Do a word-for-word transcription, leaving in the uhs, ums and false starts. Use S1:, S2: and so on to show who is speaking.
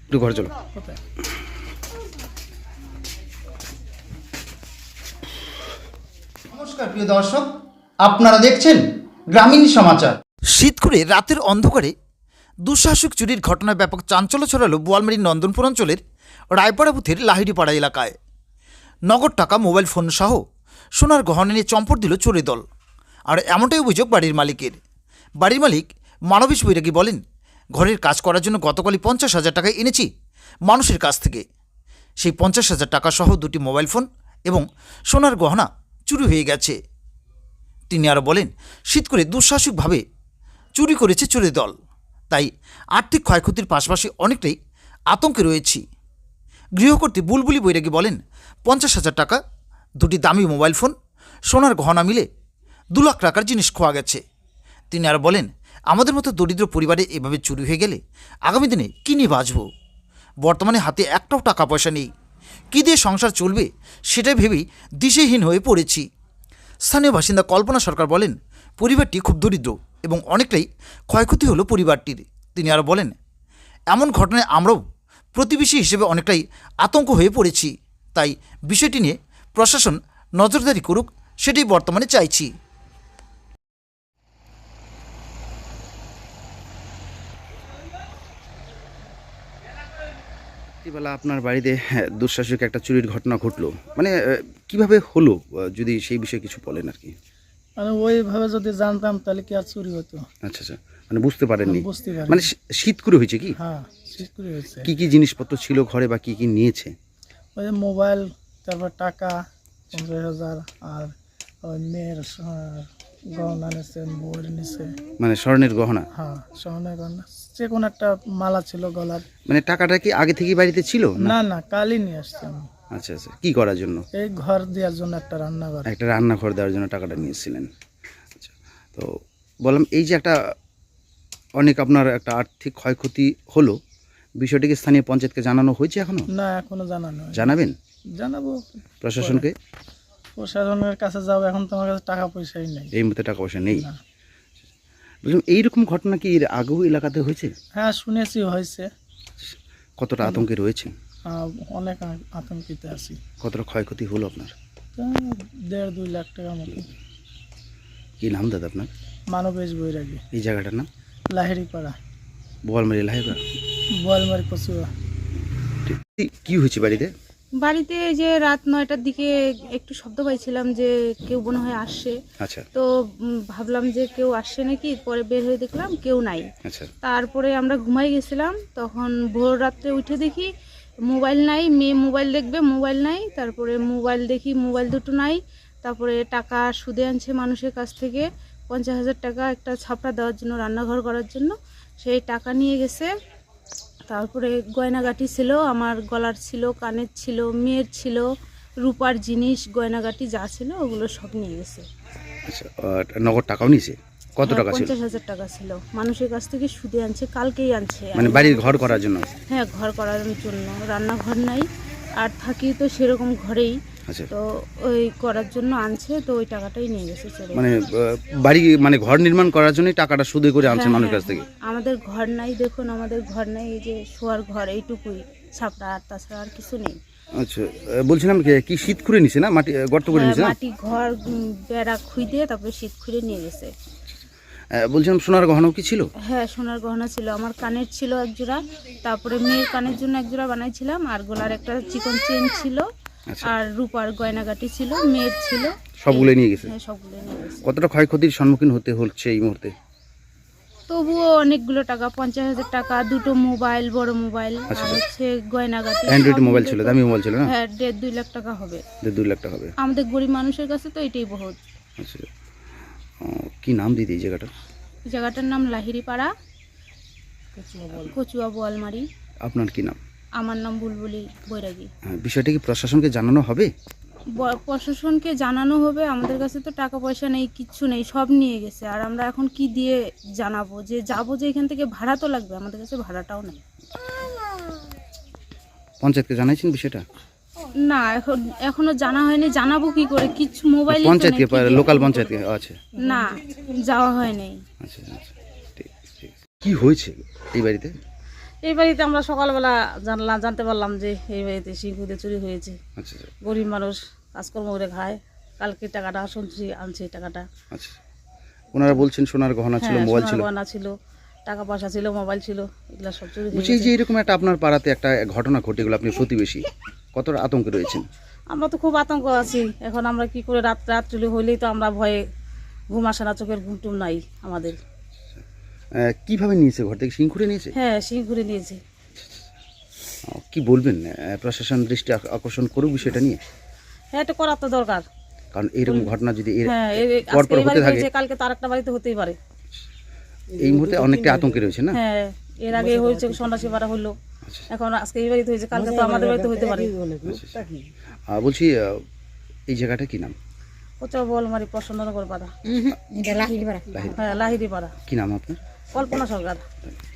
S1: একটু ঘরে চলো।
S2: নমস্কার প্রিয় দর্শক, আপনারা দেখছেন গ্রামীণ সমাচার।
S3: শীত করে রাতের অন্ধকারে দুঃসাহসিক চুরির ঘটনায় ব্যাপক চাঞ্চল্য ছড়ালো বোয়ালমারীর নন্দনপুর অঞ্চলের রায়পাড়া বুথের লাহিড়িপাড়া এলাকায়। নগদ টাকা, মোবাইল ফোন সহ সোনার গহনা নিয়ে চম্পট দিল চোরের দল। আর এমনটাই অভিযোগ বাড়ির মালিকের। বাড়ির মালিক মানবেশ বৈরাগী বলেন, ঘরের কাজ করার জন্য গতকালই পঞ্চাশ হাজার টাকা এনেছি মানুষের কাছ থেকে। সেই পঞ্চাশ হাজার টাকা সহ দুটি মোবাইল ফোন এবং সোনার গহনা চুরি হয়ে গেছে। তিনি আরও বলেন, শীত করে দুঃসাহসিকভাবে চুরি করেছে চোরের দল, তাই আর্থিক ক্ষয়ক্ষতির পাশাপাশি অনেকটাই আতঙ্কে রয়েছি। গৃহকর্ত্রী বুলবুলি বৈরাগী বলেন, পঞ্চাশ হাজার টাকা, দুটি দামি মোবাইল ফোন, সোনার গহনা মিলে দু লাখ টাকার জিনিস খোয়া গেছে। তিনি আরও বলেন, আমাদের মতো দরিদ্র পরিবারে এভাবে চুরি হয়ে গেলে আগামী দিনে কী নিয়ে বাঁচব? বর্তমানে হাতে একটাও টাকা পয়সা নেই, কী দিয়ে সংসার চলবে সেটাই ভেবেই দিশেহীন হয়ে পড়েছি। স্থানীয় বাসিন্দা কল্পনা সরকার বলেন, পরিবারটি খুব দরিদ্র এবং অনেকটাই ক্ষয়ক্ষতি হলো পরিবারটির। তিনি আরও বলেন, এমন ঘটনায় আমরাও প্রতিবেশী হিসেবে অনেকটাই আতঙ্ক হয়ে পড়েছি, তাই বিষয়টি নিয়ে প্রশাসন নজরদারি করুক, সেটাই বর্তমানে চাইছি।
S1: রাত্রিবেলা আপনার বাড়িতে হ্যাঁ, দুঃসাহসিক একটা চুরির ঘটনা ঘটলো, মানে আহ, কিভাবে হলো, আহ, যদি সেই বিষয়ে কিছু বলেন আর কি।
S4: মানে ওইভাবে যদি জানতাম তাহলে কি আর চুরি হতো?
S1: আচ্ছা আচ্ছা, মানে বুঝতে পারেননি,
S4: বুঝতে পারি
S1: মানে শী- শীত করে হয়েছে কি?
S4: হ্যাঁ, শীত করে হয়েছে।
S1: কি কি জিনিসপত্র ছিল ঘরে বা কি কি নিয়েছে?
S4: ওই যে মোবাইল, তারপর টাকা পঞ্চাশ হাজার, আর ওই মেয়ের আহ, গহনা নিছে, বউয়ের নিছে।
S1: মানে স্বর্ণের গহনা,
S4: হ্যাঁ, সোনার গহনা, যে কোনো একটা মালা ছিল গলার।
S1: মানে টাকাটা কি আগে থেকেই বাড়িতে ছিল না?
S4: না না, কালই নিয়ে আসছি আমি।
S1: আচ্ছা আচ্ছা, কি করার জন্য?
S4: এই ঘর দেওয়ার জন্য একটা রান্নাঘর।
S1: একটা রান্নাঘর দেওয়ার জন্য টাকাটা নিয়েছিলেন। আচ্ছা, তো বললাম এই যে একটা অনেক আপনার একটা আর্থিক ক্ষয়ক্ষতি হলো, বিষয়টিকে স্থানীয় পঞ্চায়েতকে জানানো হয়েছে এখনো?
S4: না, এখনো জানানো হয়নি।
S1: জানাবেন
S4: জানাবো
S1: প্রশাসনকে?
S4: প্রশাসনের কাছে যাবো, এখন তো আমার কাছে টাকা পয়সাই নেই।
S1: এই মুহূর্তে টাকা পয়সা নেই।
S4: না।
S1: বললাম এইরকম ঘটনা কি এর আগেও এলাকাতে হয়েছে?
S4: হ্যাঁ, শুনেছি হয়েছে।
S1: কতটা আতঙ্কে রয়েছে?
S4: আহ, অনেক আ- আতঙ্কিত আছি।
S1: কতটা ক্ষয়ক্ষতি হলো আপনার?
S4: তা দেড় দুই লাখ টাকার মতো।
S1: কি নাম দাদা আপনার?
S4: মানবেশ বৈরাগী,
S1: এই জায়গাটার নাম?
S4: লাহিড়িপাড়া,
S1: বোয়ালমারি লাহেবা।
S4: বোয়ালমারি কচুয়া।
S1: কি হয়েছে বাড়িতে?
S5: বাড়িতে এই যে রাত নয়টার দিকে একটু শব্দ পাইছিলাম যে কেউ মনে হয় আসছে।
S1: আচ্ছা
S5: তো উম, ভাবলাম যে কেউ আসছে নাকি, পরে বের হয়ে দেখলাম কেউ নাই।
S1: আচ্ছা
S5: তারপরে আমরা ঘুমাই গেছিলাম, তখন ভোর রাত্রে উঠে দেখি মোবাইল নাই, মেয়ে মোবাইল দেখবে, মোবাইল নাই। তারপরে মোবাইল দেখি, মোবাইল দুটো নাই। তারপরে টাকা সুদে আনছে মানুষের কাছ থেকে পঞ্চাশ হাজার টাকা একটা ছাপড়া দেওয়ার জন্য, রান্নাঘর করার জন্য, সেই টাকা নিয়ে গেছে। তারপরে গয়নাগাটি ছিল, আমার গলার ছিল, কানের ছিল, মেয়ের ছিল, রূপার জিনিস, গয়নাগাটি যা ছিল ওগুলো সব নিয়ে গেছে।
S1: আচ্ছা, আর নগদ টাকাও নিয়েছে? কত
S5: হ্যাঁ,
S1: টাকা ছিল?
S5: পঞ্চাশ হাজার টাকা ছিল, মানুষের কাছ থেকে সুদে আনছে, কালকেই আনছে।
S1: মানে বাড়ির ঘর করার জন্য?
S5: হ্যাঁ, ঘর করার জন্য। রান্নাঘর নাই, আর থাকি তো সেরকম ঘরেই,
S1: আচ্ছা,
S5: তো ওই করার জন্য আনছে, তো ওই টাকাটাই নিয়ে গেছে চলে।
S1: মানে আহ, বাড়ি মানে ঘর নির্মাণ করার জন্যই টাকাটা সুদে করে আনছে
S5: হ্যাঁ,
S1: মানুষের কাছ
S5: হ্যাঁ,
S1: থেকে?
S5: হ্যাঁ। আমাদের ঘর নাই, দেখুন আমাদের ঘর নাই, এই যে শোয়ার ঘর এইটুকুই ছাপড়া, আর তাছাড়া আর কিছু নেই।
S1: আচ্ছা, আহ, বলছিলাম কি- কি শীত করে নিছে না, মাটি আহ, গর্ত করে
S5: হ্যাঁ,
S1: নিছে না?
S5: মাটি ঘর উম, বেড়া খুঁড়ে তারপরে শীত খুঁড়ে নিয়ে গেছে।
S1: আহ, বলছিলাম সোনার গহনাও কি ছিল?
S5: হ্যাঁ, সোনার গহনা ছিল, আমার কানের ছিল এক জোড়া, তারপরে মেয়ের কানের জন্য এক জোড়া বানাইছিলাম, আর গলার একটা চিকন চেন ছিল,
S1: আচ্ছা,
S5: আর রূপার গয়নাগাটি ছিল, মেয়ের ছিল।
S1: সবগুলো নিয়ে গেছে?
S5: হ্যাঁ, সবগুলো নিয়ে গেছে।
S1: কতটা ক্ষয়ক্ষতির সম্মুখীন হতে হচ্ছে এই মুহূর্তে?
S5: তবুও অনেকগুলো টাকা, পঞ্চাশ হাজার টাকা, দুটো মোবাইল, বড় মোবাইল,
S1: আচ্ছা,
S5: আর হচ্ছে গয়নাগাটি,
S1: অ্যান্ড্রয়েড
S5: সব
S1: মোবাইল
S5: মিলে
S1: ছিল,
S5: তো-
S1: দামি মোবাইল ছিল না?
S5: হ্যাঁ, দেড় দুই লাখ টাকা হবে।
S1: দেড় দুই লাখ টাকা হবে।
S5: আমাদের গরিব মানুষের কাছে তো এটাই বহুত।
S1: আচ্ছা, আহ, কি নাম দিদি এই জায়গাটা?
S5: এই জায়গাটার নাম লাহিড়িপাড়া, কচুয়া বোয়ালমারি।
S1: আপনার কি নাম?
S5: আমার নাম বুলবুলি বৈরাগী।
S1: হ্যাঁ, বিষয়টা কি প্রশাসনকে জানানো হবে?
S5: ব- প্রশাসনকে জানানো হবে, আমাদের কাছে তো টাকা পয়সা নেই, কিচ্ছু নেই, সব নিয়ে গেছে। আর আমরা এখন কি দিয়ে জানাবো যে যাবো, যে এখান থেকে ভাড়া তো লাগবে, আমাদের কাছে ভাড়াটাও নেই।
S1: পঞ্চায়েতকে জানাইছেন বিষয়টা?
S5: না, এখন এখনো জানা হয়নি, জানাবো কি করে, কিছু মোবাইল
S1: পঞ্চায়েতকে, লোকাল পঞ্চায়েতকে? আচ্ছা
S5: না, যাওয়া হয়নি।
S1: আচ্ছা আচ্ছা, ঠিক ঠিক। কি হয়েছে এই বাড়িতে?
S6: এই বাড়িতে আমরা সকালবেলা জানলাম জানতে পারলাম যে এই বাড়িতে সিংকুতে চুরি হয়েছে।
S1: আচ্ছা আচ্ছা
S6: গরিব মানুষ কাজকর্ম করে খায়, কালকে টাকাটা শুনছি আনছে টাকাটা।
S1: আচ্ছা ওনারা বলছেন সোনার গহনা ছিল,
S6: হ্যাঁ,
S1: মোবাইল
S6: সোনার
S1: ছিল।
S6: গয়না ছিল, টাকা পয়সা ছিল, মোবাইল ছিল, এগুলা সব চুরি হয়ে
S1: বলছি এই যে
S6: গেছে।
S1: এরকম একটা আপনার পাড়াতে একটা ঘটনা ঘটে গেল, আপনি প্রতিবেশী, কতটা আতঙ্কে রয়েছেন?
S6: আমরা তো খুব আতঙ্ক আছি এখন। আমরা কি করে রাত রাত চুরি হইলেই তো আমরা ভয়ে ঘুম আসে না, চোখের ঘুম টুম নাই আমাদের।
S1: আহ, কিভাবে নিয়েছে, ঘর থেকে সিং খুঁড়ে নিয়েছে?
S6: হ্যাঁ, সিং ঘুরে নিয়েছে।
S1: আহ, কি বলবেন, আহ, প্রশাসন দৃষ্টি আক- আকর্ষণ করুক বিষয়টা নিয়ে,
S6: হ্যাঁ, এটা করার তো দরকার।
S1: কারণ এইরকম ঘটনা যদি এর
S6: হ্যাঁ, এই আজকে
S1: পরপর
S6: এই
S1: হতে
S6: বাড়িতে
S1: থাকে,
S6: হয়েছে, কালকে তো আরেকটা বাড়িতে হতেই পারে।
S1: এই মুহূর্তে অনেকটা আতঙ্কে রয়েছে না?
S6: হ্যাঁ, এর আগে হয়েছে সন্ন্যাসী পাড়া হলো, এখন আজকে এই বাড়িতে হয়েছে, কালকে তো আমাদের বাড়িতে হতে পারে।
S1: আহ, বলছি আহ, এই জায়গাটা কি নাম?
S6: কোথাও বলমারি প্রসন্ননগর পাড়া, হ্যাঁ, লাহিড়ি পাড়া,
S1: কি নাম আপনার?
S6: কল্পনা সরকার।